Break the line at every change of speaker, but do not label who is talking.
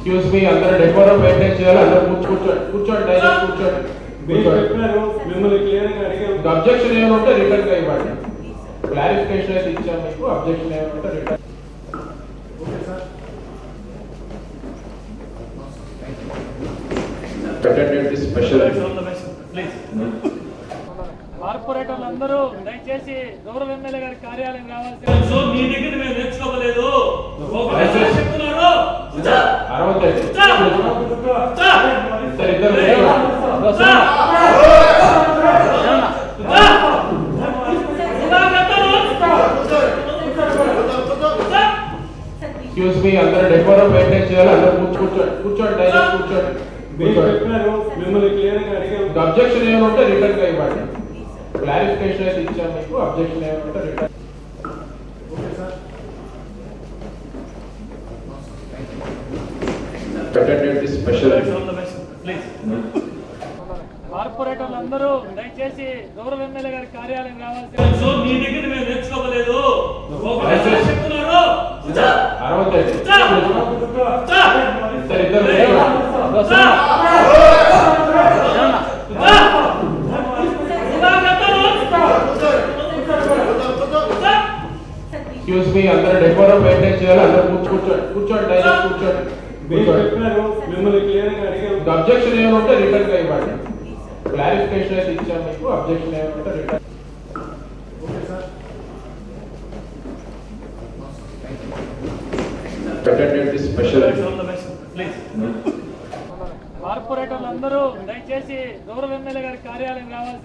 Excuse me, అందరూ decorum maintain చేయాలి. అందరూ కూర్చోండి డైరెక్ట్ కూర్చోండి.
మిమ్మల్ని క్లియర్ గా అడిగాం.
అబ్జెక్షన్ ఏమైనా ఉంటే రిటర్న్ గా ఇవ్వండి. క్లారిఫికేషన్ అయితే ఇచ్చాం మీకు. అబ్జెక్షన్ ఏమైనా ఉంటే రిటర్న్. స్పెషల్
కార్పొరేటర్లు అందరూ దయచేసి గౌరవ ఎమ్మెల్యే గారి కార్యాలయం రావాల్సి.
మీ దగ్గర మేము నేర్చుకోలేదు.
ఎక్స్క్యూజ్ మీ, అందరూ డెకోరం మెయింటైన్ చేయాలి. అందరూ కూర్చోండి డైరెక్ట్ కూర్చోండి.
మిమ్మల్ని క్లియర్ గా అడిగాం.
అబ్జెక్షన్ ఏమైనా ఉంటే రిటర్న్ గా ఇవ్వండి. క్లారిఫికేషన్ అయితే ఇచ్చాం మీకు. అబ్జెక్షన్ ఏమైనా ఉంటే రిటర్న్. స్పెషల్
కార్పొరేటర్లు అందరూ దయచేసి గౌరవ ఎమ్మెల్యే గారి కార్యాలయం రావాల్సి.
మీ దగ్గర మేము నేర్చుకోలేదు.
ఎక్స్క్యూజ్ మీ, అందరూ డెకోరం మెయింటైన్ చేయాలి. అందరూ కూర్చోండి డైరెక్ట్ కూర్చోండి.
మిమ్మల్ని క్లియర్ గా అడిగాం.
అబ్జెక్షన్ ఏమైనా ఉంటే రిటర్న్ గా ఇవ్వండి. క్లారిఫికేషన్ అయితే ఇచ్చాం మీకు. అబ్జెక్షన్ ఏమైనా ఉంటే రిటర్న్. స్పెషల్
కార్పొరేటర్లు అందరూ దయచేసి గౌరవ ఎమ్మెల్యే గారి కార్యాలయం రావాల్సి.